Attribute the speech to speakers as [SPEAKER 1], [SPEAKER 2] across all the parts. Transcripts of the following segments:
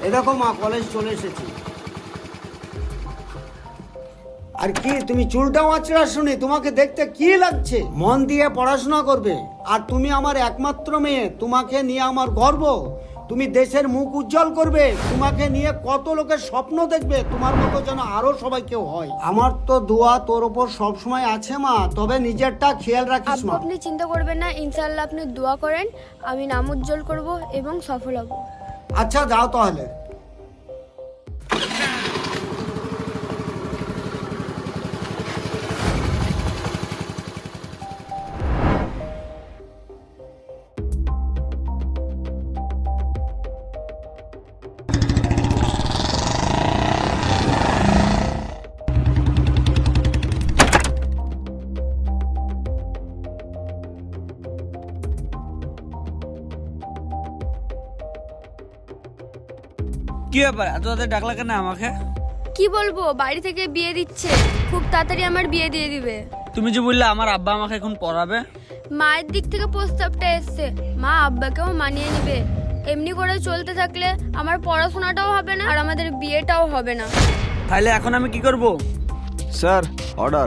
[SPEAKER 1] এ দেখো মা, কলেজ চলে এসেছি। আর কি তুমি চুলটা আঁচড়া শুনি, তোমাকে দেখতে কি লাগছে? মন দিয়ে পড়াশোনা করবে। আর তুমি আমার একমাত্র মেয়ে, তোমাকে নিয়ে আমার গর্ব। তুমি দেশের মুখ উজ্জ্বল করবে, তোমাকে নিয়ে কত লোকের স্বপ্ন দেখবে, তোমার মতো যেন আরো সবাই কেউ হয়। আমার তো দোয়া তোর উপর সবসময় আছে মা, তবে নিজেরটা খেয়াল রাখিস
[SPEAKER 2] আব্বু
[SPEAKER 1] মা।
[SPEAKER 2] আপনি চিন্তা করবেন না, ইনশাআল্লাহ আপনি দোয়া করেন, আমি নাম উজ্জ্বল করব এবং সফল হব।
[SPEAKER 1] আচ্ছা যাও তাহলে।
[SPEAKER 3] কি ব্যাপার, এত তাড়াতাড়ি ডাকলা কেন আমাকে?
[SPEAKER 2] কি বলবো, বাড়ি থেকে বিয়ে দিচ্ছে, খুব তাড়াতাড়ি আমার বিয়ে দিয়ে দিবে।
[SPEAKER 3] তুমি যে বললে আমার আব্বা আমাকে এখন পড়াবে।
[SPEAKER 2] মায়ের দিক থেকে প্রস্তাবটা এসছে, মা আব্বাকেও মানিয়ে নিবে। এমনি করে চলতে থাকলে আমার পড়াশোনাটাও হবে না আর আমাদের বিয়েটাও হবে না।
[SPEAKER 3] তাহলে এখন আমি কি করব?
[SPEAKER 4] Sir, order.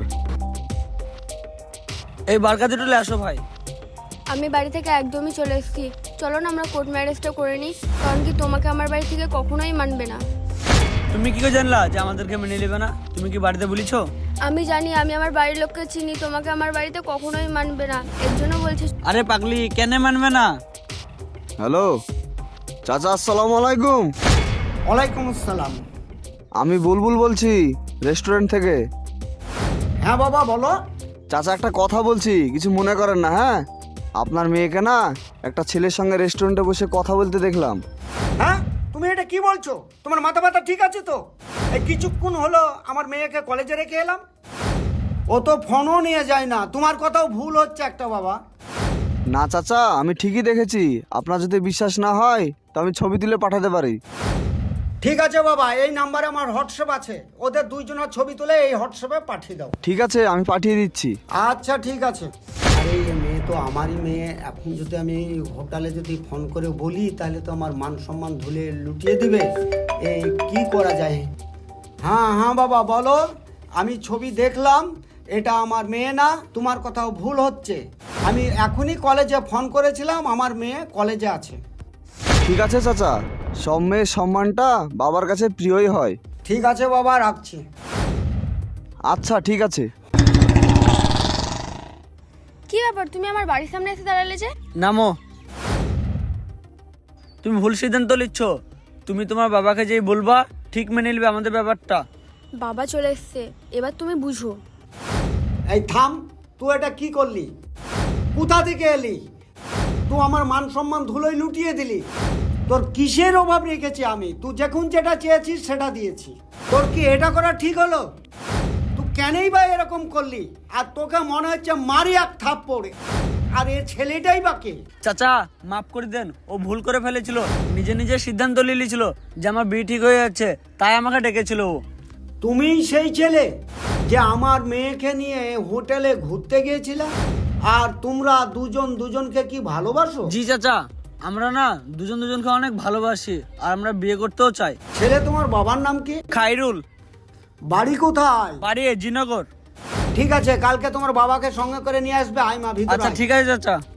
[SPEAKER 3] এই বার কাজে চলে আসো ভাই।
[SPEAKER 2] আমি বাড়ি থেকে একদমই চলে এসেছি, চলো না আমরা কোর্ট ম্যারেজটা করে নিই, কারণ কি তোমাকে আমার বাড়ি থেকে কখনোই মানবে না।
[SPEAKER 3] তুমি কি করে জানলা যে আমাদেরকে মেনে নেবে না? তুমি কি বাড়িতে বলেছো?
[SPEAKER 2] আমি জানি, আমি আমার বাড়ির লোককে চিনি, তোমাকে আমার বাড়িতে কখনোই মানবে না, এর জন্য বলছি।
[SPEAKER 3] আরে পাগলি, কেন মানবে না?
[SPEAKER 4] হ্যালো চাচা, আসসালামু আলাইকুম।
[SPEAKER 1] ওয়ালাইকুম আসসালাম।
[SPEAKER 4] আমি বুলবুল বলছি, রেস্টুরেন্ট থেকে।
[SPEAKER 1] হ্যাঁ বাবা বলো।
[SPEAKER 4] চাচা একটা কথা বলছি, কিছু মনে করেন না। হ্যাঁ, আপনার মেয়েকে না একটা ছেলের সঙ্গে রেস্টুরেন্টে বসে কথা বলতে দেখলাম।
[SPEAKER 1] হ্যাঁ, তুমি এটা কি বলছো? তোমার মাথা ব্যথা ঠিক আছে তো? এই কিছুক্ষণ হলো আমার মেয়েকে কলেজে রেখে এলাম, ও তো ফোনও নিয়ে যায় না। তোমার কথাও ভুল হচ্ছে একটা বাবা।
[SPEAKER 4] না চাচা, আমি ঠিকই দেখেছি। আপনার যদি বিশ্বাস না হয় তো আমি ছবি তুলে পাঠাতে পারি।
[SPEAKER 1] ঠিক আছে বাবা, এই নাম্বারে আমার হোয়াটসঅ্যাপ আছে, ওদের দুইজনের ছবি তুলে এই হোয়াটসঅ্যাপে পাঠিয়ে দাও।
[SPEAKER 4] ঠিক আছে, আমি পাঠিয়ে দিচ্ছি।
[SPEAKER 1] আচ্ছা ঠিক আছে। আরে এই মেয়ে তো আমারই মেয়ে, এখন যদি আমি হোটেলে যদি ফোন করে বলি তাহলে তো আমার মান সম্মান ধুলে লুটিয়ে দিবে। এই কি করা যায়? হ্যাঁ হ্যাঁ বাবা বলো। আমি ছবি দেখলাম, এটা আমার মেয়ে না, তোমার কথাও ভুল হচ্ছে। আমি এখনই কলেজে ফোন করেছিলাম, আমার মেয়ে কলেজে আছে।
[SPEAKER 4] ঠিক আছে চাচা, সব মেয়ের সম্মানটা বাবার কাছে প্রিয়ই হয়।
[SPEAKER 1] ঠিক আছে বাবা, রাখছি।
[SPEAKER 4] আচ্ছা ঠিক আছে।
[SPEAKER 2] কি ব্যাপার, তুমি আমার বাড়ির সামনে এসে দাঁড়ালে যে?
[SPEAKER 3] নামো। তুমি ভুল সিদ্ধান্ত নিচ্ছ। তুমি তোমার বাবাকে যেই বলবা ঠিক মেনে নেবে আমাদের ব্যাপারটা।
[SPEAKER 2] বাবা চলে এসছে, এবার তুমি বুঝো।
[SPEAKER 1] এই থাম, তুই এটা কি করলি? কোথা থেকে এলি? তুই আমার মান সম্মান ধুলোয় লুটিয়ে দিলি। তোর কিসের অভাব রেখেছি আমি? তুই যখন যেটা চেয়েছিস সেটা দিয়েছি। তোর কি এটা করা ঠিক হলো? তুই কেনই বা এরকম করলি? আর তোকে মনে হচ্ছে মারি এক থাপ পড়ে। আর এ ছেলেটাই বা কে?
[SPEAKER 3] চাচা মাফ করে দেন, ও ভুল করে ফেলেছিল। নিজে নিজে সিদ্ধান্ত নিয়েছিল যে আমার বিয়ে ঠিক হয়ে যাচ্ছে, তাই আমাকে ডেকেছিল ও।
[SPEAKER 1] তুমিই সেই ছেলে যে আমার মেয়েকে নিয়ে হোটেলে ঘুরতে গিয়েছিলা? আর তোমরা দুজন দুজনকে কি ভালোবাসো?
[SPEAKER 3] জি চাচা, আমরা না দুজন দুজনকে অনেক ভালোবাসি আর আমরা বিয়ে করতেও চাই।
[SPEAKER 1] ছেলে তোমার বাবার নাম কি?
[SPEAKER 3] খাইরুল।
[SPEAKER 1] বাড়ি কোথায়?
[SPEAKER 3] বাড়ি জিনগর।
[SPEAKER 1] ঠিক আছে, কালকে তোমার বাবাকে সঙ্গে করে নিয়ে আসবে। আয় মা, ভিতরে
[SPEAKER 3] আচ্ছা
[SPEAKER 1] আয়।
[SPEAKER 3] ঠিক আছে চাচা।